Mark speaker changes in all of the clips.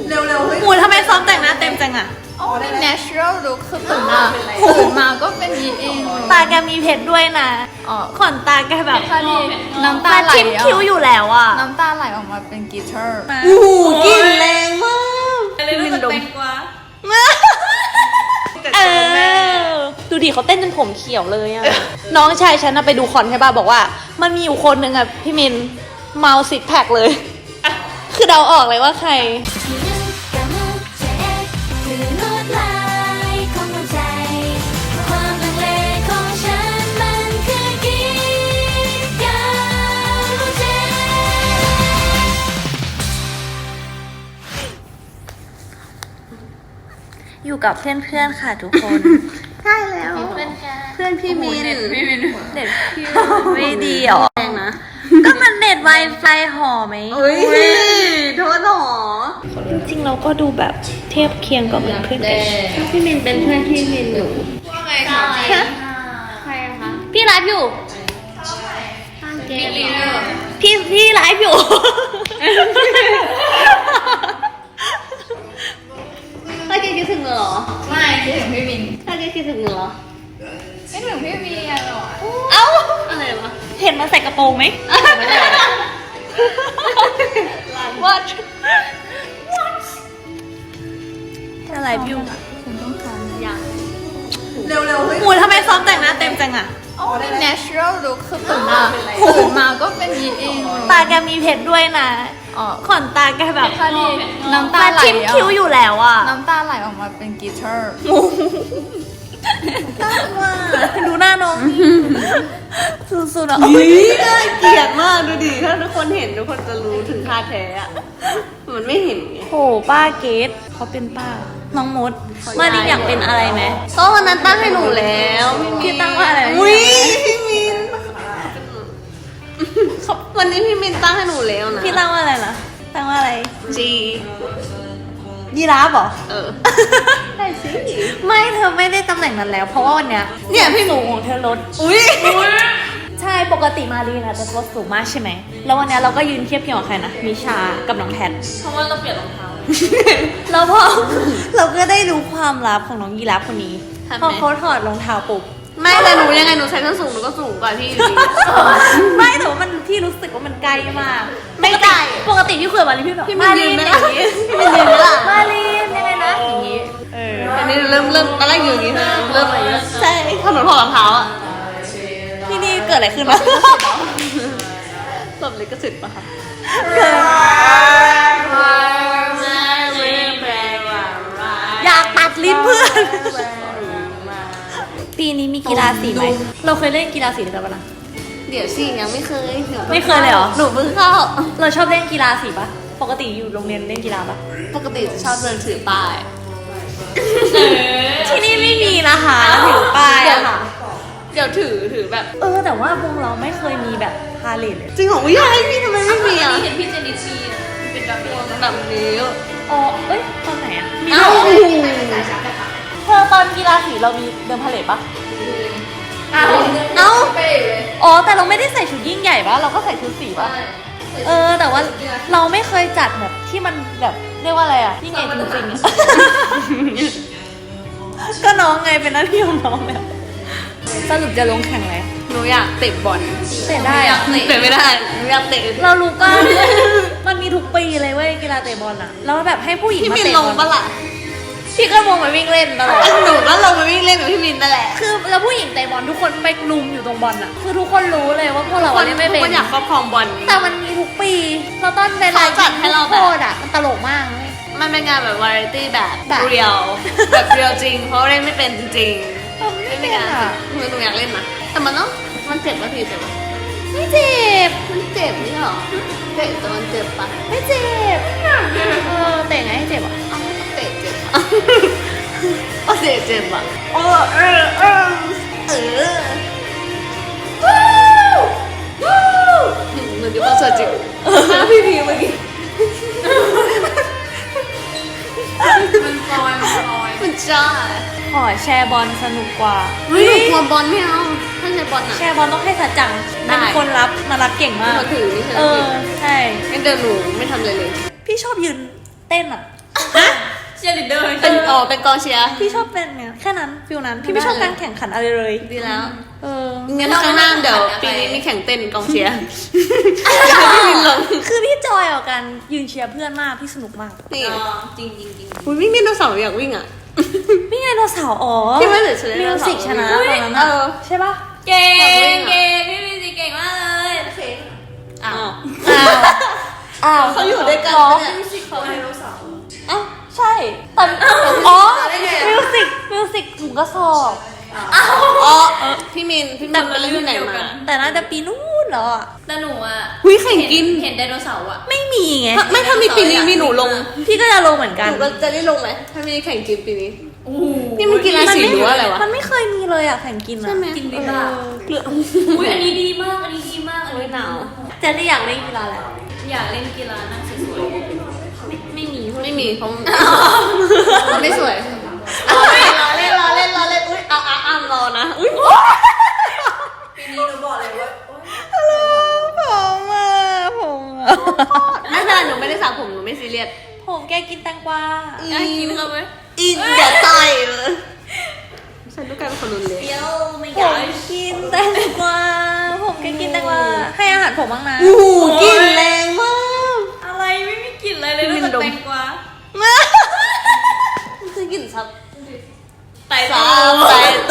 Speaker 1: เร็วๆเฮ้ย
Speaker 2: หมูทำไมซ้อมแต่งหน้าเต็มจังอะ
Speaker 3: อ๋อนี่ natural look คือตื่นมาก็เป็นยีเอง
Speaker 2: ตาแกมีเพชรด้วยนะ
Speaker 3: อ๋อ
Speaker 2: ขนตาแกแบบ
Speaker 3: น้ำตา
Speaker 2: ตา
Speaker 3: ไหล
Speaker 2: ชิมคิ้วอยู่แล้วอะ
Speaker 3: น้ำตาไหลออกมาเป็นกีเตอร์
Speaker 1: โอ้โหกลิ่นแรงมาก
Speaker 2: พี่มินดมเออดูดิเขาเต้นจนผมเขียวเลยอะน้องชายฉันน่ะไปดูคอนใช่ป่ะบอกว่า มันมีอยู่คนหนึ่งอะพี่มินเมาซิกแพคเลยคือเดาออกเลยว่าใครอยู่กับเพื่อนๆค่ะทุกคน
Speaker 1: ใช่แล้ว เพื่อนพี่มิน
Speaker 2: เน็ตพี่ไม่ดีหรอ
Speaker 1: แรงนะ
Speaker 2: ก็มันเน็ต Wi-Fi ห่อไหม
Speaker 1: เฮ้ยโทษหรอ
Speaker 2: จริงๆเราก็ดูแบบเทียบเคียงกับเพื่อนกัน
Speaker 1: พี่มินเป็นเพื่อนพี่มินหนู
Speaker 3: ว่าไงคะ
Speaker 1: ใครอะคะ
Speaker 2: พี่ไลฟ์อยู่
Speaker 1: เกลีย
Speaker 2: พี่ไลฟ์อยู่
Speaker 1: ถ้าแกคิดถึงเหรอ
Speaker 3: ไม่คิดถึงพี่มิน
Speaker 1: ถ้าแกคิดถึงเหรอ
Speaker 3: คิดถึงพี่มินอะหรอ
Speaker 2: เอ้า
Speaker 1: อะไรวะ
Speaker 2: เห็นมันใส่กระโปรงไหม
Speaker 1: ไม่ได้
Speaker 2: What จะไลฟ์อยู่
Speaker 3: คุณต้องทำ
Speaker 1: ยังเร็วๆเฮ้ย
Speaker 2: หมูทำไมซ้อมแต่งหน้าเต็มจังอะ
Speaker 3: อ๋อนี่ natural look คือตื่นมาก็เป็นยีเอง
Speaker 2: ตาแกมีเพชรด้วยนะ
Speaker 3: อ๋อ
Speaker 2: ขนตาแกแบบ
Speaker 3: น้ำตา
Speaker 2: ตา
Speaker 3: ไหล
Speaker 2: ชิมคิ้วอยู่แล้วอะ
Speaker 3: น้ำตาไหลออกมาเป็นกีเตอร์
Speaker 2: ดูหน้าน้องสุดๆอ่ะ
Speaker 1: น่าเกลียดมากดูดิ ถ้าทุกคนเห็นทุกคนจะรู้ถึงท่าแท้อะมันไม่เห็นไง
Speaker 2: โหป้าเกดเขาเป็นป้า น้องมดมาดิอยากเป็นอะไรไหม
Speaker 1: ก็วันนั้นตั้งให้หนูแล้ว
Speaker 2: พี่ตั้งว่าอะไร
Speaker 1: อุ้ยพี่มินวันนี้พี่มินตั้งให้หนูแล้วนะ
Speaker 2: พี่ตั้งว่าอะไรนะตั้งว่าอะไร
Speaker 1: จี
Speaker 2: ยีราฟเหรอ
Speaker 1: ใช่สิ
Speaker 2: ไม่เธอไม่ได้ตำแหน่งนั้นแล้ว เพราะว่าวันเนี้ย
Speaker 1: เนี่ยพี่
Speaker 2: สูงของเธอลด
Speaker 1: อุ้ย
Speaker 2: ใช่ปกติมารีนะจะลดสูงมากใช่ไหมแล้ววันเนี้ยเราก็ยืนเทียบเคียงกับใครนะมิชากับน้องแพท
Speaker 1: เพราะว่าเราเปลี่ยนรองเท้า
Speaker 2: แล้วพอ เราก็ได้รู้ความลับของน้องยีราฟคนนี้
Speaker 1: ทำไม
Speaker 2: พอเขาถอดรองเท้าปุ๊บ
Speaker 1: ไม่แต่หนูยังไงหนูใช้ส้นสูงหนูก็สูงกว่าพี่อยู่ดี
Speaker 2: ไม่แต่ว่ามันพี่รู้สึกว่ามันใกล้มาก
Speaker 1: ไม่ไกล
Speaker 2: ปกติพี่คุยกับมารีพี่แบบ
Speaker 1: พี่มินยืนไหมล่ะพี่มินยืนไหมล่ะ
Speaker 2: มารียังไงนะอย่างนี้
Speaker 1: อันนี้เริ่มตอนแรกอยู่อย่างนี้นะเริ่มอะไรอย่างเงี้ย
Speaker 2: ใช่
Speaker 1: พอหนูถอดรองเท้าอะ
Speaker 2: ที่นี่เกิดอะไรขึ้นวะ
Speaker 1: หลบเลยก็สิทธิ์ปะคะ
Speaker 2: เกิดอยากตัดลิ้นเพื่อน ปีนี้มีกีฬาสีไหมเราเคยเล่นกีฬาสีด้วยกันปะนะ
Speaker 1: เดี๋ยวสิยังไม่เคย
Speaker 2: ไม่เคยเลยเหรอ
Speaker 1: หนูเพิ่งเข้า
Speaker 2: เราชอบเล่นกีฬาสีปะปกติอยู่โรงเรียนเล่นกีฬาปะ
Speaker 1: ปกติจะชอบเดินถือป้าย
Speaker 2: ที่นี่ไม่มีนะคะถือป้ายอะค่ะ
Speaker 1: เดี๋ยวถือแบบ
Speaker 2: แต่ว่าวงเราไม่เคยมีแบบพาเลทเลย
Speaker 1: จริงของวิทยาลัยพี่ทำไมไม่มีอ่ะ
Speaker 3: เห็นพี่เจนิสมีเป็นแบบนี้
Speaker 1: แบบนี้
Speaker 2: อ๋อเอ้ยตอนไหนอะมี
Speaker 1: เอ้า
Speaker 2: เธอตอนกีฬาสีเรามีเดินพาเลทปะ
Speaker 3: เอ้า
Speaker 1: เป้เลย
Speaker 2: อ๋อแต่เราไม่ได้ใส่ชุดยิ่งใหญ่ปะเราก็ใส่ชุดสีปะแต่ว่าเราไม่เคยจัดแบบที่มันแบบเรียกว่าอะไรอะยิ่งใหญ่จริงๆอะ ก็น้องไงเป็นหน้าที่ของน้องแบบสรุปจะลงแข่งอะไร
Speaker 1: หนูอยากเตะบอล
Speaker 2: เตะได้อะ
Speaker 1: เตะไม่ได้หนูอยากเตะ
Speaker 2: เรารู้ก็ มันมีทุกปีเลยเว้ยกีฬาเตะบอลอะแล้วแบบให้ผู้หญิง
Speaker 1: พี่
Speaker 2: มา
Speaker 1: มิน
Speaker 2: เตะ
Speaker 1: ล
Speaker 2: บ
Speaker 1: ง
Speaker 2: อล
Speaker 1: ปะล่ะ
Speaker 2: พี่ก็ลงไปวิ่งเล่นตลอด
Speaker 1: หนูก็ลงไปวิ่งเล่นกับพี่มินนั่นแหละ
Speaker 2: คือแล้วผู้หญิงเตะบอลทุกคนไปลุมอยู่ตรงบอลอะคือทุกคนรู้เลยว่าพวกเราอะเล่นไม่เป็น
Speaker 1: ทุกคนอยากครอบครองบอล
Speaker 2: แต่มันมีทุกปีเราต้นเวลา
Speaker 1: เขาจัดให้เราแบบ
Speaker 2: โคตรอะมันตลกมากเลย
Speaker 1: มันเป็นงานแบบวาไรตี้แบบ
Speaker 2: แบบ
Speaker 1: เรียลแบบเรียลจริง เพราะเล่นไม่เป็นจริงๆ
Speaker 2: ไม่
Speaker 1: ไม่
Speaker 2: เป็
Speaker 1: เป็น น
Speaker 2: อะ
Speaker 1: งานหนูอยากเล่นนะแต่มันต้องมันเจ็บป่ะพี่เจ็บป่ะ
Speaker 2: ไม่เจ็บ
Speaker 1: มันเจ็บนี่หรอเตะแต่มันเจ็บปะ
Speaker 2: ไม่เจ็บเตะไงให้เจ็บอะ
Speaker 1: เอ้าเตะเจ็บเอาเตะเจ็บอ่ะเหมือนที่ว่าเสือจิ๋วพี่พีเมื่อกี้ มันจ้า
Speaker 2: ขอแชร์บอลสนุกกว่า
Speaker 1: เฮ้ยหนูกลัวบอลไม่เอาถ้าใช้บอลอ่ะ
Speaker 2: แชร์บอลต้องให้สัจจัง
Speaker 1: ได้
Speaker 2: เป็นคนรับมารับเก่งมาก
Speaker 1: มาถือนี่ใช่ไหม
Speaker 2: ใช่
Speaker 1: งั้นเดินหนูไม่ทำเลยเลย
Speaker 2: พี่ชอบยืนเต้นอ่ะ
Speaker 3: เชียร์ลีดเดอร์
Speaker 1: เป็นกองเชียร์
Speaker 2: พี่ชอบเป็นเนี่ยแค่นั้นฟิลนั้นพี่ไม่ชอบการแข่งขันอะไรเลย
Speaker 1: ดีแล้ว
Speaker 2: งั้
Speaker 1: งั้นข้างหน้าเดี๋ยวปีนี้มีแข่งเต้นกองเชียร์อยากให้พี่มินลง
Speaker 2: คือพี่จอยออกกันยืนเชียร์เพื่อนมากพี่สนุกมาก
Speaker 1: นี่
Speaker 3: จริงจริงจริง
Speaker 1: อุ้ยวิ่งไดโนเสาร์อยากวิ่งอ่ะ
Speaker 2: พี่ไงเราสาวอ๋อ
Speaker 1: ที่ไม่เหลือชนะ
Speaker 2: มิวสิกชนะตอนนั้น
Speaker 1: เออ
Speaker 2: ใช่ปะ
Speaker 3: เก่งเก่งพี่มิวสิกเก่งมากเลยโอเค
Speaker 1: อ้าว
Speaker 2: อ้าว
Speaker 1: เขาอยู่ด้วยกัน
Speaker 2: เหรอ
Speaker 1: เนี่ย
Speaker 3: เขาไดโนเสาร์
Speaker 2: อ้าวใช่แต่อ๋อมิวสิกถุงกระสอบ
Speaker 1: อ๋อพี่มินไปเล่นที่ไหนมา
Speaker 2: แต่น่าจะปีนู้นเหรอ
Speaker 3: แต่หนูอ่ะ
Speaker 1: อุ๊ยแข่งกิน
Speaker 3: เห็นไดโนเสาร์อ่ะ
Speaker 2: ไม่มีไง
Speaker 1: ไม่ถ้ามีปีนี้มีหนูลง
Speaker 2: พี่ก็จะลงเหมือน
Speaker 1: ห
Speaker 2: กัน
Speaker 1: นูก็จะได้ลงไหมถ้ามีแข่งกินปีนี้
Speaker 3: โอ้โห
Speaker 1: นี่มันกีฬาสีหรือว่าอะไรวะ
Speaker 2: มันไม่เคยมีเลยอะแข่งกินอะ
Speaker 1: ใช่ไหม
Speaker 3: กินดีป่ะ
Speaker 2: เกลือ
Speaker 3: อุ้ยอันนี้ดีมากอันนี้ดีมากอันนี้
Speaker 1: หนาว
Speaker 2: เจะได้อยากเล่นกีฬาแหละ
Speaker 3: อยากเล่นกีฬานั่งสวย
Speaker 2: ไม่มี
Speaker 1: ไม่มีเขาไม่สวยรอเล่นอุ้ยอ้ามรอนะอุ้ย
Speaker 3: ๆปีนี้หนูบอกเลยว่า
Speaker 2: ผมอะ
Speaker 1: ไม่เป็นไรหนูไม่ได้สระผมหนูไม่ซีเรียส
Speaker 2: ผมแกกินแตงกวา
Speaker 3: อยากกินเขาไหม
Speaker 1: อินอย่าต่อยเลยฉันต้องกลายเป็นคนรุนแรง
Speaker 3: เปรี้ยวไม่
Speaker 2: ผ
Speaker 3: อยาก
Speaker 2: มกินแตงกวาผมแกกินแตงกวาให้อาหารผมบ้างนะ
Speaker 1: โอ้โหกลินแรงมาก
Speaker 3: อะไรไม่มีกลิ่นอะไรเลยนอกจากแตงกวา
Speaker 1: คือกลิ่นซับ
Speaker 3: ไต่
Speaker 1: ซั
Speaker 3: ตา
Speaker 1: บไตโต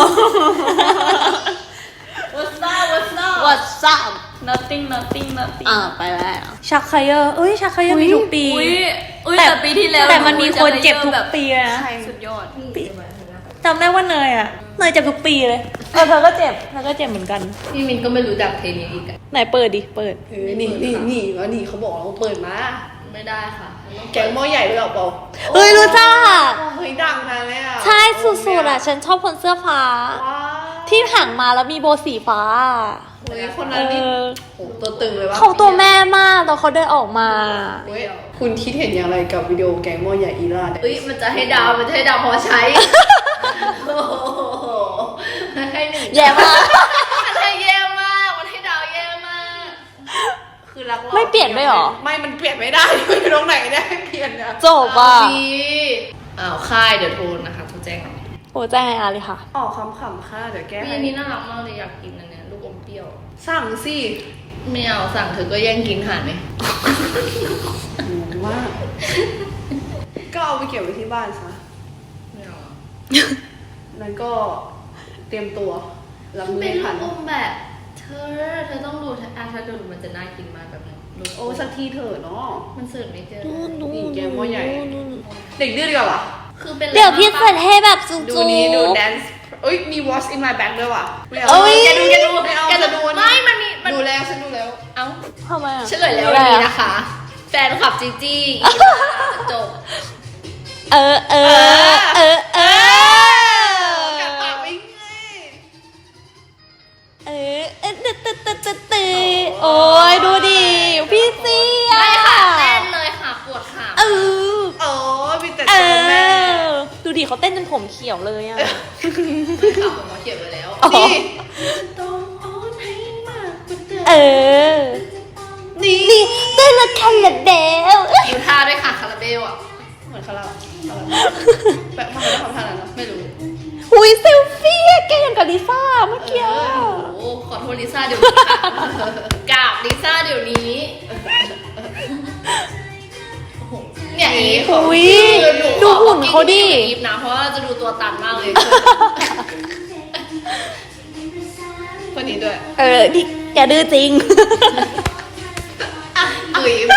Speaker 3: What's up
Speaker 1: What's up
Speaker 3: nothing
Speaker 1: ไปแล้ว
Speaker 2: ชักไคเยอร์ชักไคเยอร์มีทุกปี
Speaker 3: อุ้ยแต่ปีที่แล้ว
Speaker 2: แต่มันมีคนเจ็บทุกปีนะ
Speaker 3: สุดยอด
Speaker 2: จำได้ว่าเนยเจ็บทุกปีเลยเธอก็เจ็บเหมือนกัน
Speaker 3: พี่มินก็ไม่รู้จักเพลงนี้อีกอะ
Speaker 2: ไหนเปิดดิเปิด
Speaker 1: นี่เขาบอกเราเปิดมา
Speaker 3: ไม่ได้ค่ะ
Speaker 1: แกงหม้อใหญ่ด้วยหรอเปล่า
Speaker 2: เฮ้ยรู้จัก
Speaker 1: เฮ้ยดังนะเลยอ่ะ
Speaker 2: ใช่สุดๆอ่ะฉันชอบคนเสื้อฟ้า ที่ห่างมาแล้วมีโบสีฟ้า
Speaker 1: เฮ้ยคนนั้นนี่โหตัวตึงเลยว่า
Speaker 2: เขาตัวแม่มากตอนเขาเดินออกมา
Speaker 1: เฮ้ยคุณคิดเห็นอย่างไรกับวิดีโอแกงหม้อใหญ่อีราเนี่ย
Speaker 3: เอ้ยมันจะให้ดาวพอใช้ โอ้โหให้หนึ่ง
Speaker 2: แย่มาก
Speaker 3: มันให้แย่มากมันให้ดาวแย่มาก
Speaker 1: คือรักเรา
Speaker 2: ไม่เปลี่ยนด้วยหรอ
Speaker 1: ไม่มันเปลี่ยนไม่ได้ไม่รู้ตรงไหนได้เปลี่ยนนะ
Speaker 2: จบอ่ะ
Speaker 3: ดีค่ายเดี๋ยวโทรนะคะโทรแจ้งหน่อย
Speaker 2: โอ้แจ้งไงอาเลยค่ะ
Speaker 1: ออกคำๆค่ะเดี๋ยวแก้
Speaker 3: พี่
Speaker 1: ให้
Speaker 3: อันนี้น่ารักมากเลยอยากกินอันเนี้ยลูกอมเปรี้ยว
Speaker 1: สั่งสิ
Speaker 3: ไม่เอาสั่งเธอก็แย่งกินหาไหม
Speaker 1: มากก็เอาไปเก็บไว้ที่บ้านซะ
Speaker 3: ไม่เอาอะ
Speaker 1: แล้วก็เตรียมตัวรับมือ
Speaker 3: เป็น
Speaker 1: ไม่
Speaker 3: ลู
Speaker 1: ทัน
Speaker 3: กอมแบบ เธอต้องดูถ้าดูมันจะน่ากินมากแบบนี้ลูก
Speaker 1: โอ้สักทีเถอะเนาะ
Speaker 3: มันเสิร์ฟไม่เจอ
Speaker 1: นี่แกงหม้อใหญ่ เด็กดื้อดีกว่า
Speaker 3: คือเป็น
Speaker 2: เดี๋ยวพี่เสร็จให้แบบจุ๊
Speaker 1: ดูนี้ดู dance เอ้ยมี watch in my bag ด้วยว่ะไม่เอา
Speaker 2: เอ้ย
Speaker 3: แกดู
Speaker 1: ไม่เอา
Speaker 3: แก
Speaker 1: จะดู
Speaker 3: ไม่มันมีมัน
Speaker 1: ดูแล้วฉันดูแล้ว
Speaker 3: เอ้า
Speaker 2: ทำไมอ่ะ
Speaker 3: เฉลยแล้ววันนี้นะคะ แฟนคลับจีจี้อีลาจบ
Speaker 1: กัดปากไม่ไง
Speaker 2: โอ้ยดูดิพี่เสีย
Speaker 3: ไม่ค่ะเต้นเลยค่ะปวดขา
Speaker 2: เออ
Speaker 1: โอ้มีแต่
Speaker 2: เอ
Speaker 1: เจอแม่
Speaker 2: อดูดิเขาเต้นจนผมเขียวเลยอ่ะ
Speaker 3: ไม่ค่ะผมมาเขียนไว้แล้ว
Speaker 1: นี่
Speaker 2: เออ
Speaker 1: นี่
Speaker 2: นี่เต้นละคันละเดว
Speaker 3: ดูท่าด้วยค่ะคาราเบลอ่ะ
Speaker 1: เหมือนคาราแบบทำไมต้องทำท่านั้นนะ
Speaker 3: ไม่รู้
Speaker 2: หุยเซลฟี่อะแกอย่างกับลิซ่าเมื่อกี้อะ
Speaker 3: โอ้ขอโทษลิซ่าเดี๋ยวนี้ค่ะกราบลิซ่าเดี๋ยวนี้เนี่ยอีฟ
Speaker 2: หุย
Speaker 3: คือหนู
Speaker 2: ดู
Speaker 3: ขอ
Speaker 2: หุ่นเขาดิ
Speaker 3: อีฟนะเพราะว่าจะดูตัวตันมากเลย
Speaker 1: คนนี้ด้วย
Speaker 2: ดิแกดื้อจริง
Speaker 3: ดุย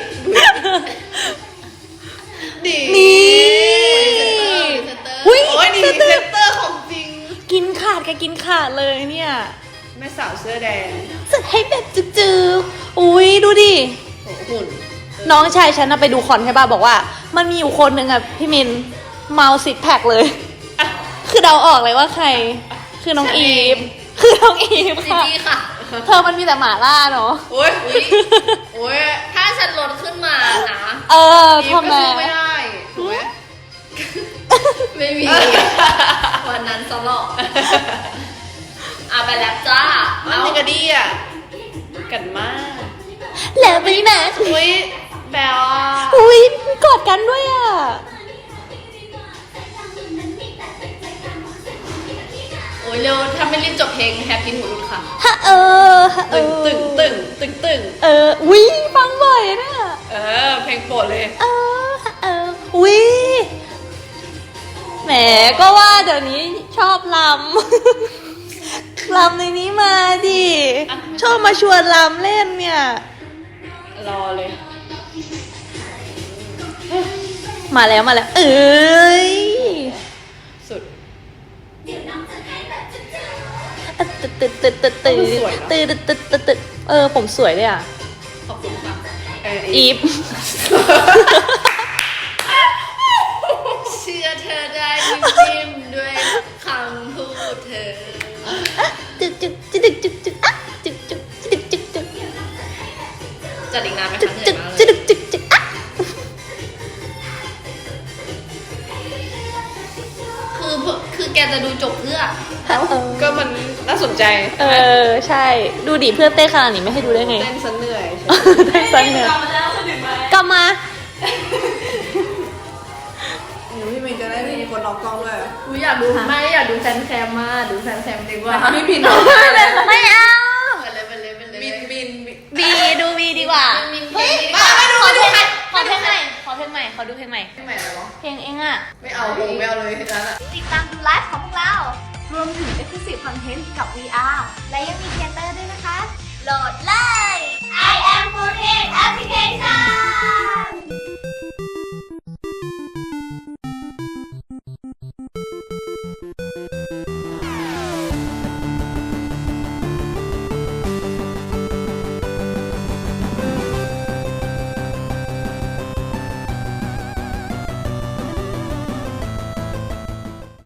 Speaker 1: ดี
Speaker 2: นี่
Speaker 3: อุ้ย
Speaker 1: โอ้ยนี่เซนเตอร์ของจริง
Speaker 2: กินขาดแกกินขาดเลยเนี่ย
Speaker 1: แม่สาวเสื้อแดง
Speaker 2: จะให้แบบจืดๆอุ้ยดูดิ
Speaker 1: โหหุ่น
Speaker 2: น้องชายฉันน่ะไปดูคอนใช่ป่ะบอกว่า มันมีอยู่คนหนึ่งอ่ะพี่มินเมาซิกแพคเลย คือเดาออกเลยว่าใคร คือน้องอีฟคือน้องอีฟ
Speaker 3: จี
Speaker 2: ค่ะ
Speaker 3: จี้ค่ะ
Speaker 2: เธอมันมีแต่หมาล่าเนาะ
Speaker 1: โอ้ยโอ้ย
Speaker 3: ถ้าฉันลดขึ้นมานะ
Speaker 2: ทำไม
Speaker 1: ก็สู้ไม่ได้ถูกไหม
Speaker 3: ไม่มี วันนั้นสลบไปแล้วจ้า
Speaker 1: มันยังกระดี้อ่ะกันมาก
Speaker 2: แล้วไปไหน
Speaker 1: อุ้ย
Speaker 3: แปลว่า
Speaker 2: อุ้ยมีกอดกันด้วยอ่ะ
Speaker 3: โอ้ยเร็วถ้าไม่รีบจบเพลงแฮปปี้หูรุดค่ะ
Speaker 2: ฮะฮะ
Speaker 3: ตึงตึง
Speaker 2: อุ้ยฟังบ่อยเนี่ย
Speaker 3: เพลงโปรดเลย
Speaker 2: อุ้ยแหมก็ว่าเดี๋ยวนี้ชอบลำ ลำในนี้มาดิ ชอบมาชวนลำเล่นเนี่ย
Speaker 3: รอเลย
Speaker 2: มาแล้ว เอ้ย
Speaker 3: สุด
Speaker 2: ตึดผมสวยเลยอ่ะ
Speaker 3: ขอบคุณค่ะ
Speaker 2: อีฟ
Speaker 3: เชื่อเธอได้นิ่มๆด้วยคำพูดเธอ
Speaker 2: จึก
Speaker 3: จัดอีกนานไหมคะเหนื่อยมากเลยคือแกจะดูจบเพื่อ ก็มันน่าสนใจ
Speaker 2: ใช่ ดูดิเพื่อนเต้นขนาดนี้ไม่ให้ดูได้ไง
Speaker 3: เต้นซะเหนื่อย
Speaker 2: เต้นสันเนี่ยกลับมา
Speaker 1: พี่มินจะได้มีคนร้องกล้องด้วย
Speaker 3: กูอยากดูไม่อยากดูแฟนแคมมากดูแฟนแคมดีกว่า
Speaker 1: พี่มิน
Speaker 2: ไม่เอา
Speaker 3: ไปเลย
Speaker 1: มิน
Speaker 2: บีดูบีดีกว่า
Speaker 3: มิน
Speaker 2: เฮ้ย
Speaker 3: มาไม่ดู
Speaker 2: ขอ
Speaker 3: ไม่
Speaker 2: เพล
Speaker 3: ดู
Speaker 2: งใหม่ขอเพลงใหม่ขอดูเพลงใหม่
Speaker 3: ไม่เหรอ
Speaker 2: เพลงเองอ่ะ
Speaker 3: ไม่เอาไม่เอาเลยนั้นอ่ะ
Speaker 4: ติดตามดูไลฟ์ของพวกเรา รวมถึง Exclusive Content กับ VR และยังมีเทเตอร์ด้วยนะคะ โหลดเลย I am 4 Application